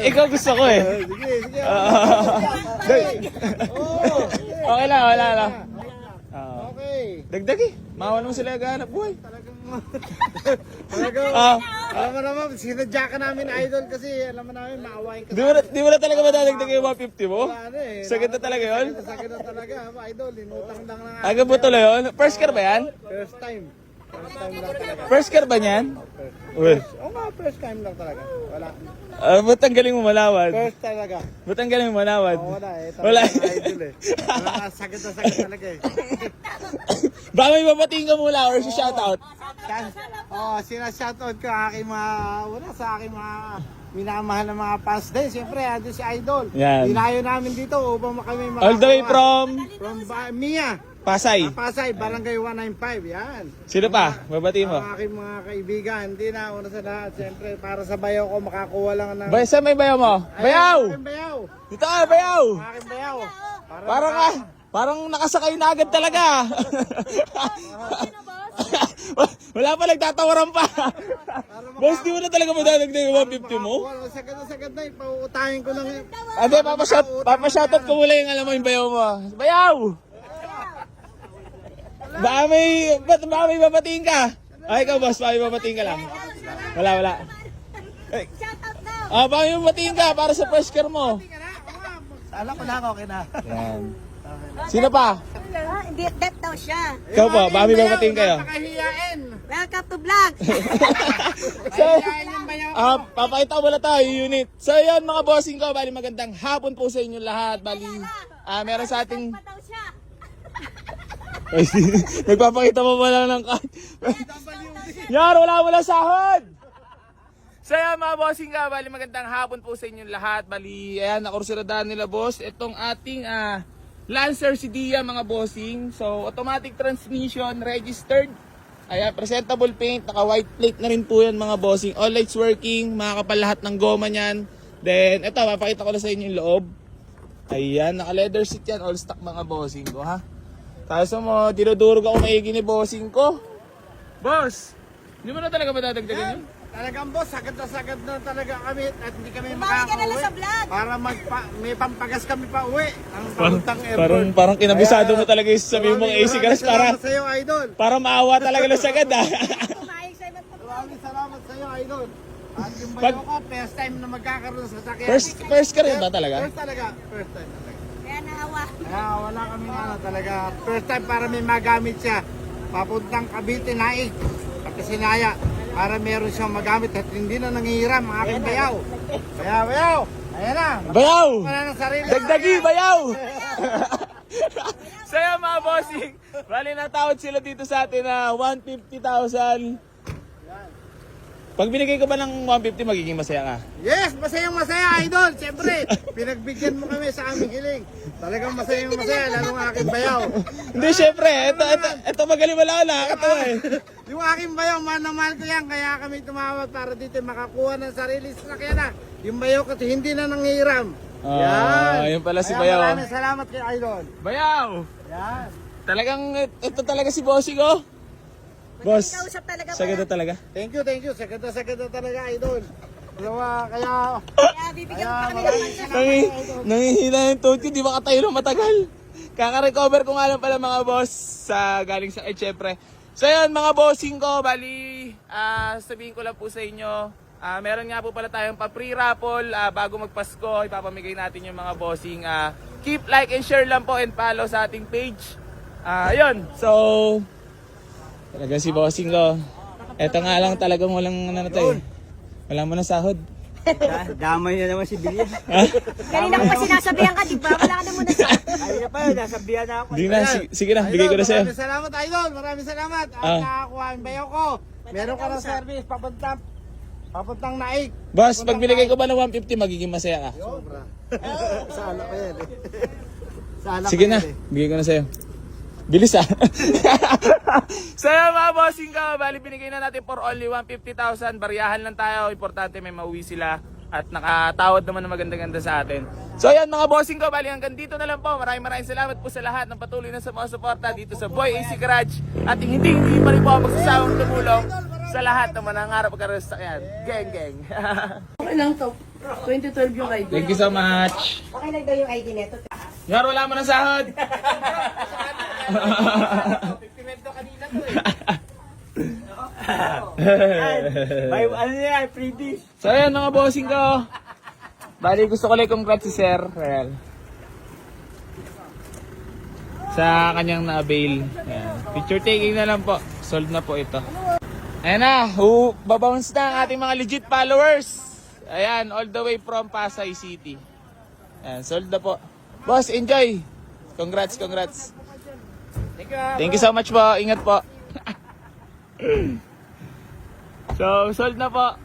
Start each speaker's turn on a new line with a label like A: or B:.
A: ikaw gusto ko eh.
B: Sige, sige.
A: Okay lang, wala lang.
B: Okay.
A: Dagdag eh. Mawan mo sila gahanap buhay.
B: Talagang,
A: Ah,
B: alam mo naman, sinadya ka namin idol kasi alam mo namin, maawain ka.
A: di mo na talaga madadagdag yung 150 mo?
B: Wala na eh.
A: Sakit na talaga yun?
B: Sakit na talaga, idol. Inutang lang na nga.
A: Aga po tuloy yun? First car ba yan?
B: First time. First time lang talaga.
A: First car ba niyan? Uy.
B: Oo nga, first time lang talaga. Wala.
A: Ba't ang galing mo malawad?
B: First talaga.
A: Ba't ang galing mo malawad?
B: Oo, wala eh.
A: Wala.
B: Idol eh. Wala ka, sakit na sakit talaga eh.
A: Baka may babatiin ka mula or si shoutout.
B: Sinashoutout ko aking mga, wala sa aking mga minamahal na mga fans din. Siyempre, ando si Idol.
A: Yan.
B: Dinayo namin dito upang kami makakuha.
A: All the way from
B: Mia.
A: Pasay.
B: Pasay, Barangay 195. Yan.
A: Sino pa? Babatiin mo.
B: Ang aking mga kaibigan. Hindi na, una sa lahat. Siyempre, para sa bayaw ko, makakuha lang ng...
A: Saan may bayaw mo? Bayaw!
B: Aking bayaw.
A: Dito ka, bayaw!
B: Ang aking bayaw.
A: Parang nakasakay na agad talaga. Wala pa, nagtatawaran pa. Boss, di mo na talaga madadagdag yung 150 mo?
B: Wala, sagad na sagad na. Ipauutahin ko lang.
A: Ate, papashoutout ko mula yung alam mo yung bayaw mo. Bayaw! Baka may babatiin ka? Ay, ikaw boss, baka may babatiin ka lang. Wala. Baka may babatiin ka para sa first car mo.
B: Alam ko na, okay na.
A: Yan. Sino pa?
C: Hindi, death daw siya.
A: Ikaw po, baka may babatiin kayo.
B: Napakahiyain.
C: Welcome to vlog.
A: So, papakita ko muna tayo yung unit. So yan mga bossing ko, bali magandang hapon po sa inyo lahat. Bali, meron sa ating...
C: Pa daw siya.
A: Ay, nagpapakita mo ba lang ng card? Yan, wala sahod! So yan mga bossing ka, bali magandang hapon po sa inyo lahat. Bali, ayan, nakursuradaan nila boss. Itong ating Lancer CDIA mga bossing. So, automatic transmission, registered. Ayan, presentable paint, naka white plate na rin po yan mga bossing. All lights working, makakapal lahat ng goma niyan. Then, ito, mapakita ko na sa inyo yung loob. Ayan, naka leather seat yan, all stock mga bossing ko ha. Tapos mo, dinudurog ako maigi ni bossing ko. Boss, hindi mo na talaga madadagdagan yun?
B: Talagang boss, sagad na talaga kami at hindi kami
C: Bumalik ka na lang sa
B: makakauwi.
C: vlog.
B: Para may pampagas kami pa uwi. Ang paluntang airport.
A: Parang kinabisado mo talaga yung sabihin mong AC gas
B: Salamat sa iyo, idol.
A: para maawa talaga na sagad ah.
C: Kumayag sa'yo
B: Maraming salamat sa iyo, idol. At yung bayo ko, first time na magkakaroon sa sakyan.
A: First ka rin ba talaga?
B: First talaga. First time talaga.
C: Kaya naawa.
B: Wala kami talaga. First time para may magamit siya. Papuntang Cavite, Naik. Kapisinaya. Para meron siyang magamit at hindi na nangihiram ang aking bayaw. Bayaw! Ayan na.
A: Bayaw!
B: Wala ng sarili.
A: Dagdagi, bayaw! So yan mga bossing, bali natawad sila dito sa atin na 150,000. Pag binigay ko ba ng 150, magiging masaya ka?
B: Yes, masayang masaya, idol. Siyempre, pinagbigyan mo kami sa aming hiling. Talagang masayang masaya, lalo ang aking bayaw.
A: Hindi, syempre, ito magaling wala na, nakakatawa eh.
B: Yung aking bayaw, mahal na mahal ko yan. Kaya kami tumawag para dito makakuha ng sarili sasakyan na. Yung bayaw kasi hindi na nangihiram.
A: Yun pala si
B: Kaya
A: Bayaw.
B: maraming salamat kay idol.
A: Bayaw!
B: Yan.
A: Talagang, ito talaga si bossing ko. Boss,
C: Kausap talaga ba?
A: sagad na talaga.
B: Thank you. Sagad na talaga, idol. Kaya
C: Kaya bibigyan mo pa kami ng pansin.
A: Nangihina yung throat ko, di makatayo ng matagal. Kaka-recover ko nga lang pala mga boss sa galing sa syempre. So yun mga bossing ko, bali sabihin ko lang po sa inyo, meron nga po pala tayong pa-free raffle bago magpasko, ipapamigay natin yung mga bossing. Keep like and share lang po and follow sa ating page. Ayun, so talaga si bossing ko. Eto nga lang talagang walang ano to eh. Wala mo na sahod.
B: damay na naman si Bilya.
C: Kanina ko pa sinasabihan ka, di ba? Wala ka na muna sa...
B: Ayun pa, nasabihan na ako.
A: Hindi na, sige na, bigay ko na sa'yo.
B: Maraming salamat, idol. Maraming salamat. At nakakuha ang bayaw ko. Meron ka ng service, papuntang Naik.
A: Boss, pag binigay ko ba ng 150, magiging masaya ka?
B: Sobra. Sala ko yan eh. Sala
A: Sige
B: ko
A: na,
B: yan eh.
A: bigay ko na sa'yo. Bilis ah. So yun mga bossing ka, bali binigay na natin for only 150,000. Bariyahan lang tayo, importante may mauwi sila. At nakatawad naman na maganda-ganda sa atin. So yan mga bossing ko, bali hanggang dito na lang po. Maraming salamat po sa lahat ng patuloy na sumusuporta dito sa Boy AC Garage. At hindi pa rin po ako magsasawang tumulong sa lahat ng manangarap magkaroon sa sakyan. Geng.
C: Okay lang to.
D: 2012 yung ID.
A: Thank you so much.
C: Okay lang daw yung ID neto.
A: Yar, wala mo ng sahod.
B: Ano yan, freebies?
A: So ayan mga bossing ko. Bali gusto ko lang congrats si Sir. Ayan. Sa kanyang na-avail. Ayan. Picture taking na lang po. Sold na po ito. Ayan na. Babounce na ang ating mga legit followers. Ayan. All the way from Pasay City. Ayan. Sold na po. Boss, enjoy. Congrats, congrats. Thank you so much po. Ingat po. So, sold na po.